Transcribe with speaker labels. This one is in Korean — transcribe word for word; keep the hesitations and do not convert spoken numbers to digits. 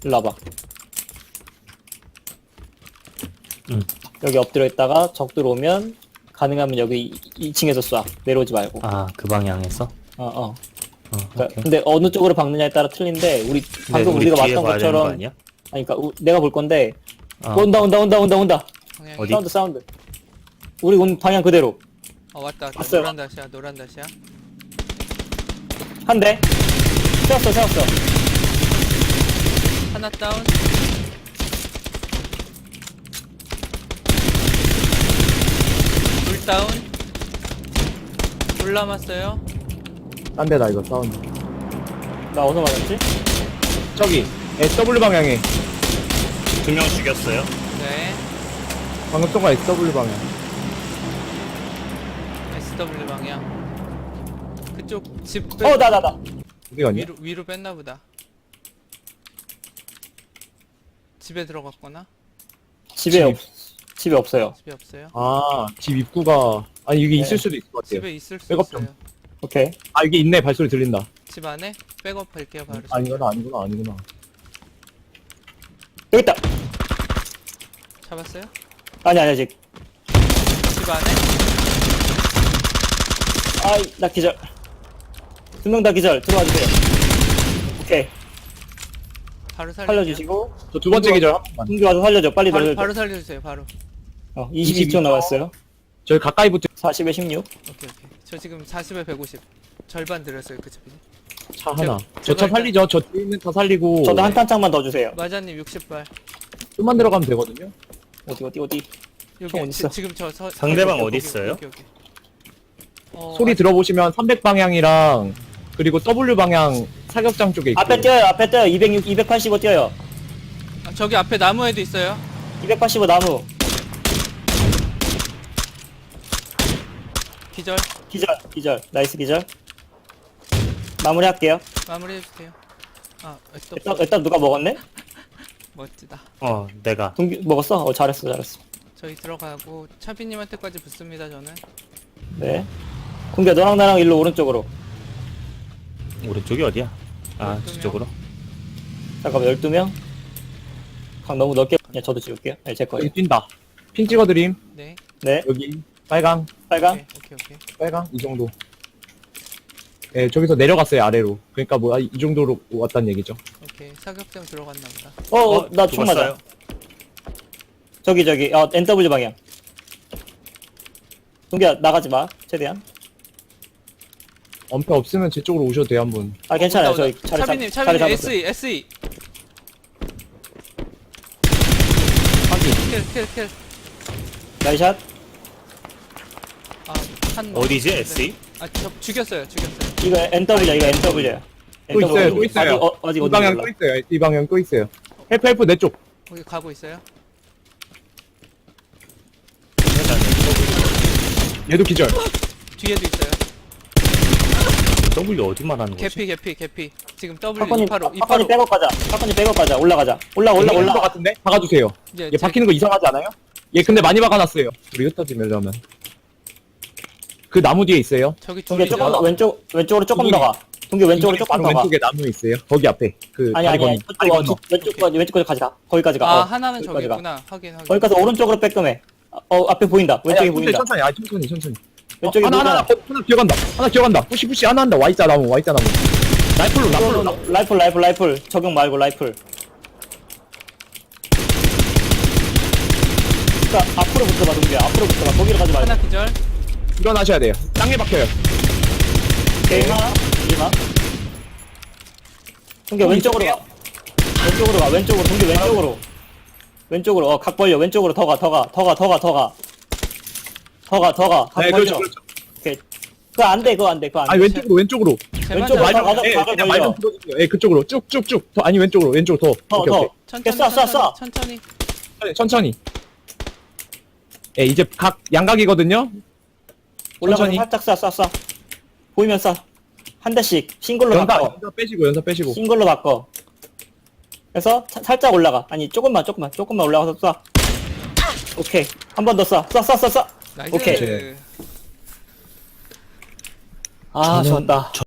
Speaker 1: 일로 와봐.
Speaker 2: 응.
Speaker 1: 여기 엎드려 있다가 적들 오면 가능하면 여기 이 층에서 쏴. 내려오지 말고.
Speaker 2: 아, 그 방향에서?
Speaker 1: 어, 어.
Speaker 2: 어,
Speaker 1: 그러니까
Speaker 2: 오케이.
Speaker 1: 근데 어느 쪽으로 박느냐에 따라 틀린데 우리 방금
Speaker 2: 네, 우리
Speaker 1: 우리가
Speaker 2: 뒤에
Speaker 1: 봤던
Speaker 2: 봐야 되는 거
Speaker 1: 것처럼
Speaker 2: 아니야?
Speaker 1: 아니 그러니까 우, 내가 볼 건데
Speaker 2: 어.
Speaker 1: 온다 온다 온다 온다 온다.
Speaker 3: 방향이.
Speaker 2: 어디?
Speaker 1: 사운드 사운드. 우리 온 방향 그대로.
Speaker 3: 어 왔다 왔다.
Speaker 1: 왔어요.
Speaker 3: 노란 다시야 노란 다시야.
Speaker 1: 한 대. 세웠어 세웠어.
Speaker 3: 하나 다운. 둘 다운. 둘 남았어요.
Speaker 4: 딴 데다 이거 사운드.
Speaker 1: 나 어디서 맞았지?
Speaker 4: 저기 에스더블유 방향에
Speaker 2: 두 명 죽였어요.
Speaker 3: 네.
Speaker 4: 방금 쏜거 에스더블유 방향.
Speaker 3: 에스더블유 방향. 그쪽 집 빼,
Speaker 1: 어 나 나 나.
Speaker 4: 어디 갔냐?
Speaker 3: 위로 위로 뺐나 보다. 집에 들어갔거나
Speaker 1: 집에 없 집에 없어요.
Speaker 3: 집에 없어요.
Speaker 4: 아, 집 입구가 아니 이게
Speaker 1: 네.
Speaker 4: 있을 수도 있을 것 같아요.
Speaker 3: 집에 있을 수
Speaker 4: 백업 좀.
Speaker 3: 있어요.
Speaker 1: 오케이.
Speaker 4: 아, 이게 있네. 발소리 들린다.
Speaker 3: 집 안에 백업 할게요 바로.
Speaker 4: 아니구나, 아니구나, 아니구나.
Speaker 1: 여기 있다.
Speaker 3: 잡았어요?
Speaker 1: 아니 아니 아직.
Speaker 3: 집 안에?
Speaker 1: 아이 나 기절. 두 명 다 기절. 들어와 주세요. 오케이.
Speaker 3: 바로 살려.
Speaker 1: 살려주시고.
Speaker 4: 저 두 번째 기절 한 번만.
Speaker 1: 흥주 와서 살려줘. 빨리
Speaker 3: 바로,
Speaker 1: 살려줘.
Speaker 3: 바로 살려주세요 바로.
Speaker 1: 어, 이십이 초 남았어요.
Speaker 4: 저희 가까이 붙어
Speaker 1: 사십에 십육.
Speaker 3: 오케이 오케이. 저 지금 사십에 백오십. 절반 들었어요 그 집이.
Speaker 4: 차 하나.
Speaker 3: 제가
Speaker 4: 저 차
Speaker 3: 일단-
Speaker 4: 살리죠. 저 뒤에 있는 차 살리고.
Speaker 1: 저도 한 탄창만 더 주세요.
Speaker 3: 마자님 육십 발.
Speaker 4: 좀만 들어가면 되거든요.
Speaker 1: 어디 어디 어디. 총
Speaker 3: 여기
Speaker 1: 어딨어?
Speaker 3: 지, 지금 저 서,
Speaker 2: 상대방
Speaker 3: 여기,
Speaker 2: 어디
Speaker 3: 여기,
Speaker 2: 있어요?
Speaker 3: 여기, 여기. 어,
Speaker 4: 소리
Speaker 3: 아,
Speaker 4: 들어보시면 삼백 방향이랑 그리고 더블유 방향 사격장 쪽에 있고.
Speaker 1: 앞에 뛰어요. 앞에 뛰어요. 이백육, 이백팔십오 뛰어요.
Speaker 3: 아, 저기 앞에 나무에도 있어요.
Speaker 1: 이백팔십오 나무.
Speaker 3: 기절.
Speaker 1: 기절. 기절. 나이스 기절. 마무리할게요.
Speaker 3: 마무리해주세요. 아, 또
Speaker 1: 일단, 일단 누가 먹었네?
Speaker 3: 멋지다.
Speaker 2: 어, 내가.
Speaker 1: 동규 먹었어? 어 잘했어 잘했어.
Speaker 3: 저희 들어가고 차비님한테까지 붙습니다 저는.
Speaker 1: 네. 동규야 너랑 나랑 일로 오른쪽으로.
Speaker 2: 오른쪽이 어디야? 아,
Speaker 3: 열두 명.
Speaker 2: 저쪽으로?
Speaker 1: 잠깐만 열두 명. 각 너무 넓게. 야 저도 지울게요. 네, 제 거예요.
Speaker 4: 여기 뛴다. 핀 찍어드림.
Speaker 3: 네.
Speaker 1: 네.
Speaker 4: 여기 빨강,
Speaker 1: 빨강.
Speaker 3: 오케이 오케이 오케이.
Speaker 4: 빨강 이 정도. 예, 저기서 내려갔어요 아래로. 그러니까 뭐 이 정도로 왔단 얘기죠.
Speaker 3: 오케이. 사격장 들어갔나 보다.
Speaker 1: 어, 어, 나 총 맞아.
Speaker 2: 죽었어요.
Speaker 1: 저기 저기. 어 엔더블유 방향. 동규야 나가지 마. 최대한.
Speaker 4: 엄폐 없으면 제 쪽으로 오셔도 돼요 한분.
Speaker 1: 아 괜찮아요.
Speaker 3: 온다,
Speaker 1: 저희
Speaker 3: 온다.
Speaker 1: 자리
Speaker 3: 차비님
Speaker 1: 잡 자리
Speaker 3: 차비님
Speaker 1: 잡았어요.
Speaker 3: 에스이 에스이.
Speaker 4: 확인.
Speaker 3: 킬 킬 킬.
Speaker 1: 나이샷.
Speaker 3: 아한
Speaker 2: 어디지, 에스이?
Speaker 3: 아저 죽였어요 죽였어요.
Speaker 1: 이거 엔더블유야. 이거 엔더블유야.
Speaker 4: 또 있어요, 또 있어요.
Speaker 1: 아직 어, 아직
Speaker 4: 이
Speaker 1: 어디
Speaker 4: 방향
Speaker 1: 몰라.
Speaker 4: 또 있어요. 이 방향 또 있어요. 헬프 헬프 내 쪽.
Speaker 3: 거기 가고 있어요.
Speaker 4: 얘도 기절.
Speaker 3: 뒤에도 있어요.
Speaker 2: W 어디 말하는 거지?
Speaker 3: 개피 개피 개피. 지금 W
Speaker 1: 사건님
Speaker 3: 이팔오
Speaker 1: 사건님
Speaker 3: 이팔오.
Speaker 1: 백업 가자. 사건님 백업 가자. 올라가자. 올라 올라
Speaker 4: 올라
Speaker 1: 올라.
Speaker 4: 것 같은데? 박아주세요.
Speaker 3: 이제
Speaker 4: 얘
Speaker 3: 제-
Speaker 4: 박히는 거 이상하지 않아요? 얘 근데 많이 박아놨어요. 우리 흩어지려면. 그 나무 뒤에 있어요.
Speaker 3: 저기
Speaker 1: 동규
Speaker 3: 둘이죠.
Speaker 1: 조금 더 왼쪽 왼쪽으로 조금
Speaker 4: 두
Speaker 1: 더 가. 동규 왼쪽으로 조금
Speaker 4: 바로
Speaker 1: 더 가.
Speaker 4: 왼쪽에 나무 있어요. 거기 앞에. 그
Speaker 1: 아니
Speaker 4: 다리
Speaker 1: 아니 아니.
Speaker 4: 건너. 다리
Speaker 1: 저쪽 어,
Speaker 4: 건너.
Speaker 1: 저- 왼쪽까지 왼쪽까지 가자. 거기까지 가.
Speaker 3: 아
Speaker 1: 어,
Speaker 3: 하나는 저기
Speaker 1: 거기까지 가.
Speaker 3: 있구나. 확인 확인.
Speaker 1: 거기까지 오른쪽으로 빼끔해. 어 앞에 보인다. 왼쪽에
Speaker 4: 아니,
Speaker 1: 보인다.
Speaker 4: 천천히, 아 천천히, 천천히.
Speaker 1: 왼쪽에
Speaker 4: 어, 하나, 하나,
Speaker 1: 보인다.
Speaker 4: 하나, 하나 기어간다. 하나 기어간다. 푸시, 푸시, 하나 한다. Y자 나무, Y자 나무. 라이플로, 라이플로, 라이플로.
Speaker 1: 라이플 라이플 라이플 적용 말고 라이플. 그러니까 앞으로 붙어봐 동규야. 앞으로 붙어봐. 거기로 가지 말고.
Speaker 3: 하나 기절.
Speaker 4: 일어나셔야 돼요. 땅에 박혀요.
Speaker 1: 오케이 하나. 이마. 동규
Speaker 4: 어,
Speaker 1: 왼쪽으로 가. 왼쪽으로 가. 왼쪽으로 동규 왼쪽으로. 왼쪽으로 어각 벌려. 왼쪽으로 더 가. 더 가. 더 가. 더 가. 더 가. 더 가. 더 가. 각
Speaker 4: 네,
Speaker 1: 벌려.
Speaker 4: 그렇죠, 그렇죠.
Speaker 1: 오케이. 그거 안 돼. 그거 안 돼. 그거 안 돼.
Speaker 4: 아니, 왼쪽으로, 왼쪽으로.
Speaker 3: 제발
Speaker 1: 왼쪽
Speaker 3: 좀-
Speaker 1: 말-
Speaker 4: 말
Speaker 1: 가자,
Speaker 4: 좀, 예,
Speaker 1: 가자,
Speaker 4: 그냥 말좀
Speaker 1: 벌려.
Speaker 4: 들어주세요. 예, 그쪽으로. 쭉, 쭉, 쭉. 더, 아니, 왼쪽으로, 왼쪽 더.
Speaker 1: 더
Speaker 4: 오케이,
Speaker 1: 더.
Speaker 4: 오케이.
Speaker 3: 천천히
Speaker 1: 쏴, 쏴, 쏴.
Speaker 3: 천천히 천천히.
Speaker 4: 천천히, 천천히. 예, 이제 각, 양각이거든요?
Speaker 1: 올라가서
Speaker 4: 천천히.
Speaker 1: 살짝 쏴, 쏴, 쏴. 보이면 쏴. 한 대씩 싱글로
Speaker 4: 연사,
Speaker 1: 바꿔.
Speaker 4: 연사 빼시고, 연사 빼시고.
Speaker 1: 싱글로 바꿔. 그래서 차- 살짝 올라가. 아니 조금만, 조금만, 조금만 올라가서 쏴. 오케이. 한 번 더 쏴. 쏴, 쏴, 쏴, 쏴.
Speaker 3: 나이스.
Speaker 1: 오케이. 아,
Speaker 2: 저는-
Speaker 1: 좋았다.